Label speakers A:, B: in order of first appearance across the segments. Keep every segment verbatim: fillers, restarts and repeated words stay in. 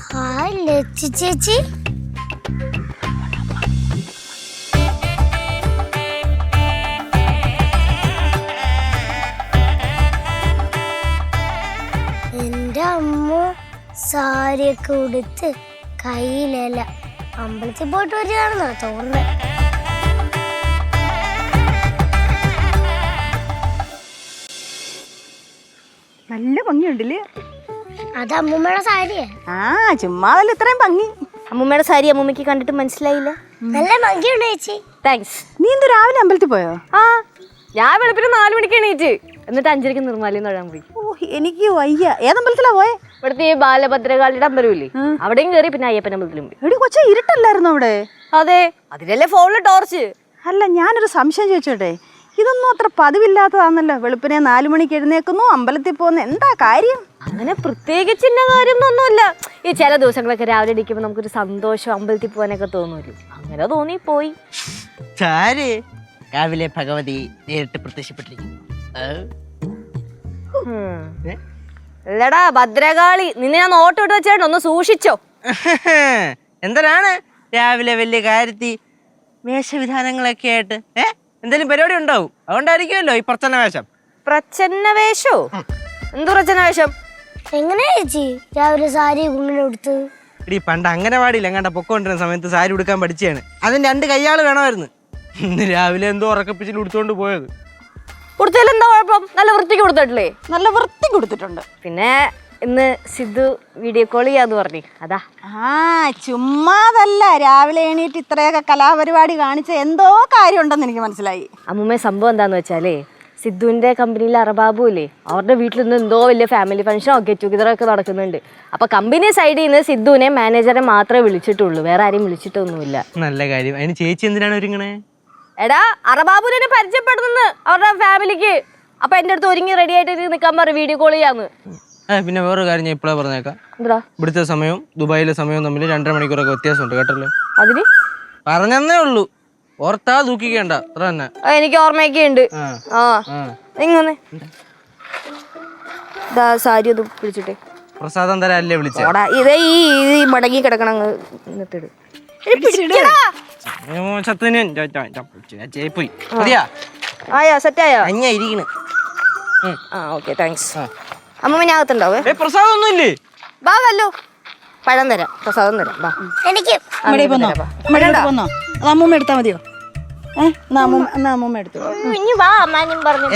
A: Hi Lachu ചേച്ചി. എന്റെ അമ്മ സാരിയൊക്കെ ഉടുത്ത് കയ്യിലല്ല അമ്പലത്തിൽ പോയിട്ട് വരികയാണെന്നാ തോന്നുന്നത്.
B: നല്ല ഭംഗിയുണ്ടല്ലേ?
A: അത് അമ്മൂമ്മയുടെ സാരിയാ.
B: ആ ചുമ്മാതല്ല ഇത്രയും ഭംഗി.
C: അമ്മൂമ്മയുടെ സാരി അമ്മൂമ്മക്ക് കണ്ടിട്ട് മനസ്സിലായില്ല.
A: നല്ല ഭംഗിയുണ്ട് ചേച്ചി.
C: താങ്ക്സ്.
B: നീ എന്ത് രാവിലെ അമ്പലത്തിൽ പോയോ?
C: ആ ഞാൻ വെളുപ്പിന് നാല് മണിക്ക് എണീറ്റ് എന്നിട്ട് അഞ്ചരക്ക് നിർമ്മാലയം തൊഴാൻ പോയി.
B: ഓ എനിക്ക് വയ്യ. ഏതമ്പലത്തിലാ പോയെ?
C: ഇവിടുത്തെ ഈ ബാലഭദ്രകാളിയുടെ അമ്പലമില്ലേ, അവിടെയും കയറി പിന്നെ അയ്യപ്പൻ അമ്പലത്തിലും പോയി.
B: എടി കൊച്ച ഇരുട്ടല്ലായിരുന്നു അവിടെ?
C: അതെ, അതിലല്ലേ ഫോണില് ടോർച്ച്.
B: അല്ല ഞാനൊരു സംശയം ചോദിച്ചോട്ടെ, ഇതൊന്നും അത്ര പതിവില്ലാത്തതാണല്ലോ. വെളുപ്പിനെ നാലു മണിക്ക് എഴുന്നേക്കുന്നു, അമ്പലത്തിൽ പോകുന്ന എന്താ കാര്യം?
C: അങ്ങനെ പ്രത്യേകിച്ച് ഇന്ന കാര്യമൊന്നുമില്ല. ഈ ചില ദിവസങ്ങളൊക്കെ രാവിലെ ഇടിക്കുമ്പോൾ നമുക്കൊരു സന്തോഷം, അമ്പലത്തിൽ പോകാനൊക്കെ തോന്നുമല്ലോ. അങ്ങനെ തോന്നി പോയി.
D: രാവിലെ ഭഗവതി നേരിട്ട് പ്രത്യക്ഷപ്പെട്ടിരിക്കുന്നു.
C: അല്ലടാ ഭദ്രകാളി, നിന്നെ ഞാൻ നോട്ട് ഇട്ട് വെച്ചേട്ടോ, ഒന്ന് സൂക്ഷിച്ചോ.
D: എന്തിനാണ് രാവിലെ വലിയ കാര്യത്തി വേഷവിധാനങ്ങളൊക്കെ ആയിട്ട്? ഏ എന്തെങ്കിലും പരിപാടി ഉണ്ടാവും, അതുകൊണ്ടായിരിക്കുമല്ലോ ഈ പ്രച്ഛന്ന വേഷം.
C: പ്രച്ഛന്ന വേഷോ? എന്തു പ്രച്ഛന്ന വേഷം?
A: എങ്ങനെയാ ചേച്ചി രാവിലെ സാരി ഇങ്ങനെ ഉടുത്ത്?
D: ഇടി പണ്ട് അംഗനവാടിയിൽ എങ്ങാണ്ട പൊക്കോണ്ടിരുന്ന സമയത്ത് സാരി ഉടുക്കാൻ പഠിച്ചാണ്. അതിന് രണ്ട് കയ്യാള് വേണമായിരുന്നു. ഇന്ന് രാവിലെ എന്തോ ഉറക്കപ്പിച്ചിൽ ഉടുത്തോണ്ട് പോയത്.
C: കൊടുത്തതിൽ എന്താ കുഴപ്പം? നല്ല വൃത്തിക്ക് കൊടുത്തിട്ടില്ലേ?
B: നല്ല വൃത്തി കൊടുത്തിട്ടുണ്ട്.
C: പിന്നെ ഇന്ന് സിദ്ധു വീഡിയോ കോൾ ചെയ്യാന്ന് പറഞ്ഞു, അതാ.
B: ആ ചുമ്മാതല്ല, രാവിലെ എണീറ്റ് ഇത്രയൊക്കെ കലാപരിപാടി കാണിച്ച എന്തോ കാര്യം ഉണ്ടെന്ന് എനിക്ക് മനസ്സിലായി.
C: അമ്മൂമ്മ സംഭവം എന്താന്ന് വെച്ചാലേ, സിദ്ധുവിന്റെ കമ്പനിയിലെ അറബാബു ഇല്ലേ, അവരുടെ വീട്ടിൽ നിന്ന് എന്തോ വലിയ ഫാമിലി ഫംഗ്ഷനോ ഗെറ്റ് ടുഗദറൊക്കെ നടക്കുന്നുണ്ട്. അപ്പൊ കമ്പനി സൈഡിൽ നിന്ന് സിദ്ധുവിനെ മാനേജറെ മാത്രമേ വിളിച്ചിട്ടുള്ളൂ, വേറെ ആരെയും വിളിച്ചിട്ടൊന്നുമില്ല.
D: നല്ല കാര്യം. അതിന് ചേച്ചി എന്തിനാണ് ഒരുങ്ങണേ?
C: എടാ അറബാബുവിനെ പരിചയപ്പെടുന്നു അവരുടെ ഫാമിലിക്ക്. അപ്പൊ എന്റെ അടുത്ത് ഒരുങ്ങി റെഡി ആയിട്ട് നിൽക്കാൻ പറ, വീഡിയോ കോൾ ചെയ്യാന്ന്.
D: പിന്നെ വേറൊരു കാര്യം ഞാൻ ഇപ്പോഴാ പറഞ്ഞേക്കാം.
C: എന്താ?
D: ഇവിടുത്തെ സമയവും ദുബായിലെ സമയവും തമ്മിൽ രണ്ടര മണിക്കൂറൊക്കെ വ്യത്യാസമുണ്ട് കേട്ടല്ലോ.
C: അതിന്
D: പറഞ്ഞേ ഉള്ളൂ, ഓർത്താ ദൂക്കിക്കേണ്ട, അത്ര തന്നെ.
C: എനിക്ക് ഓർമ്മയൊക്കെ ഉണ്ട്. ആ ഇങ്ങനെ സാരി ഒന്ന് പിടിച്ചിട്ടേ.
D: പ്രസാദം തരാല്ലേ വിളിച്ച?
C: ഇതേ ഈ മടങ്ങി കിടക്കണം. ആയാ സെറ്റായോ? ആ ഓക്കെ താങ്ക്സ്. അമ്മ ഞാൻ അകത്തുണ്ടാവേ.
D: പ്രസാദം ഒന്നും ഇല്ലേ?
C: ബാ വല്ലോ പഴം തരാം, പ്രസാദം തരാം. ബാ
A: എനിക്ക്
B: അമ്മൂമ്മ എടുത്താ മതിയോ? ഏഹ് അമ്മൂമ്മ എടുത്തു.
C: ഇനി വാ അമ്മാനും പറഞ്ഞു.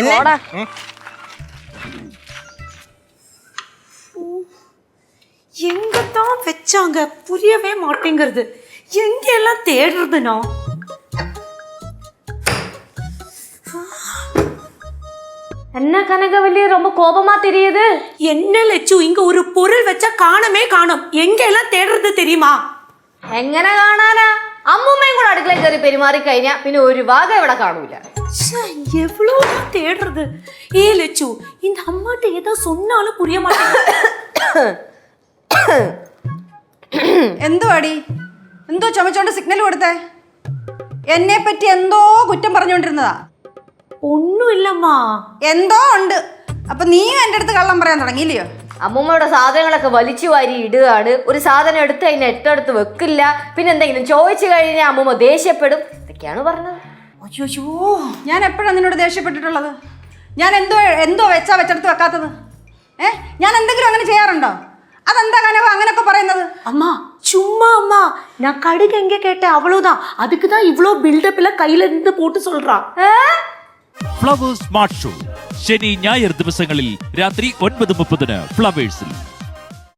E: எங்கதான் வச்சாங்க புரியவே மாட்டேங்கிறது. எங்க எல்லாம் தேடுறதுனோ?
C: என்ன கனகவல்லி ரொம்ப கோபமா தெரியுது?
E: என்ன லட்சு, இங்க ஒரு பொருள் வச்சா காணமே காணோம். எங்க எல்லாம் தேடுறது தெரியுமா?
C: എങ്ങനെ കാണാനാ? അമ്മൂമ്മയും കൂടെ അടുക്കളയിൽ കയറി പെരുമാറി കഴിഞ്ഞാ പിന്നെ ഒരു ഭാഗം ഇവിടെ കാണൂല.
E: எவ்வளவுதான் தேடுறது? ஏ லட்சு, இந்த அம்மாட்ட ஏதோ சொன்னாலும் புரிய மாட்டேங்குது.
B: എന്തുവാടി, എന്തോ ചുമച്ചോണ്ട് സിഗ്നൽ കൊടുത്തേ? എന്നെ പറ്റി എന്തോ കുറ്റം പറഞ്ഞുകൊണ്ടിരുന്നതാ.
E: ഒന്നും ഇല്ലമ്മാ.
B: എന്തോ ഉണ്ട്. അപ്പൊ നീയും എന്റെ അടുത്ത് കള്ളം പറയാൻ തുടങ്ങിയില്ലയോ?
C: അമ്മൂമ്മയുടെ സാധനങ്ങളൊക്കെ വലിച്ചു വാരി ഇടുകയാണ്. ഒരു സാധനം എടുത്ത് അതിന് എട്ടെടുത്ത് വെക്കില്ല. പിന്നെ എന്തെങ്കിലും ചോദിച്ചു കഴിഞ്ഞാൽ അമ്മൂമ്മ ദേഷ്യപ്പെടും. ഇതൊക്കെയാണ് പറഞ്ഞത്.
B: അയ്യോ, ഞാൻ എപ്പോഴാണ് നിന്നോട് ദേഷ്യപ്പെട്ടിട്ടുള്ളത്? ഞാൻ എന്തോ എന്തോ വെച്ചാ വെച്ചെടുത്ത് വെക്കാത്തത്? ഏ ഞാൻ എന്തെങ്കിലും അങ്ങനെ ചെയ്യാറുണ്ടോ? അതെന്താ കനവ അങ്ങനൊക്കെ പറയുന്നത്?
E: அம்மா சும்மா அம்மா, நான் கடுகு எங்க கேட்டேன் அவ்வளவுதான். அதுக்கு தான் இவ்ளோ பில்டப்ல கையில இருந்து போட்டு சொல்றா.
F: ഫ്ലവേഴ്സ് സ്മാർട്ട് ഷോ ശനി ഞായർ ദിവസങ്ങളിൽ രാത്രി ഒൻപത് മുപ്പതിന് ഫ്ലവേഴ്സിൽ.